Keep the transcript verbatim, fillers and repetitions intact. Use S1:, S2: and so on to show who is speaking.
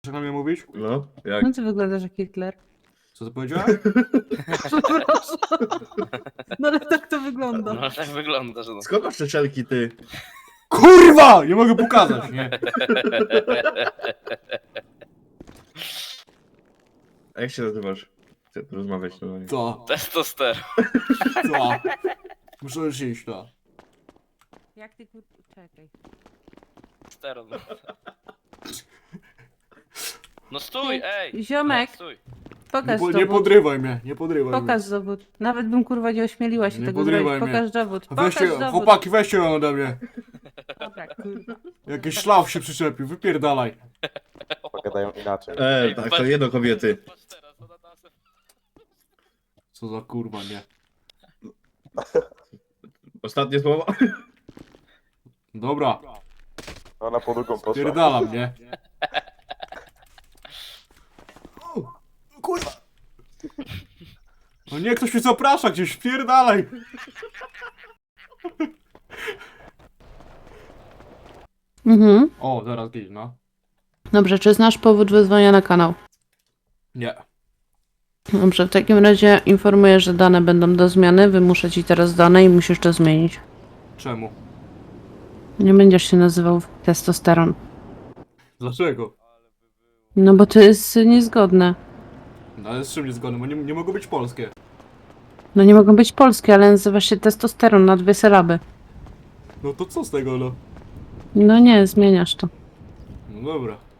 S1: Chcesz na mnie mówić?
S2: No, jak?
S3: No ty wyglądasz jak Hitler.
S1: Co ty powiedziała?
S3: Przepraszam. No ale tak to wygląda.
S4: No tak wygląda, że no.
S2: Skąd masz te szelki, ty?
S1: Kurwa! Nie mogę pokazać, nie?
S2: A jak się nazywasz? Chcę rozmawiać normalnie.
S1: Co?
S4: Testosteron.
S1: Co? Muszę już iść, to.
S3: Jak ty kur... Czekaj.
S4: Steron. No stój, ej!
S3: Ziomek,
S4: No, stój.
S1: Nie,
S3: pokaż
S1: po, nie
S3: dowód.
S1: podrywaj mnie, nie podrywaj
S3: Pokaż dowód. Nawet bym kurwa nie ośmieliła się
S1: Nie
S3: tego
S1: podrywaj
S3: zrobić.
S1: mnie.
S3: Pokaż dowód.
S1: mnie.
S3: Pokaż
S1: Weźcie,
S3: dowód.
S1: chłopaki, weźcie ją ode mnie.
S3: Dobra, kurwa.
S1: Jakiś szlaf się przyczepił, wypierdalaj.
S5: Pogadają inaczej.
S2: E, tak, to jedno kobiety.
S4: Patrz teraz, ona tam se-
S1: Co za kurwa, nie?
S2: Ostatnie słowo?
S1: Dobra,
S5: Ona po drugą poszła.
S1: pierdalam, nie? O, kurwa! No nie, ktoś mnie zaprasza gdzieś, pierdalaj!
S3: Mhm.
S1: O, zaraz gdzieś, no.
S3: Dobrze, czy znasz powód wezwania na kanał?
S1: Nie.
S3: Dobrze, w takim razie informuję, że dane będą do zmiany. Wymuszę ci teraz dane i musisz to zmienić.
S1: Czemu?
S3: Nie będziesz się nazywał testosteron.
S1: Dlaczego?
S3: No bo to jest niezgodne.
S1: No ale z czym nie zgodny, bo nie, nie mogą być polskie.
S3: No nie mogą być polskie, ale nazywa się testosteron na dwie sylaby.
S1: No to co z tego, no?
S3: No nie, zmieniasz to.
S1: No dobra.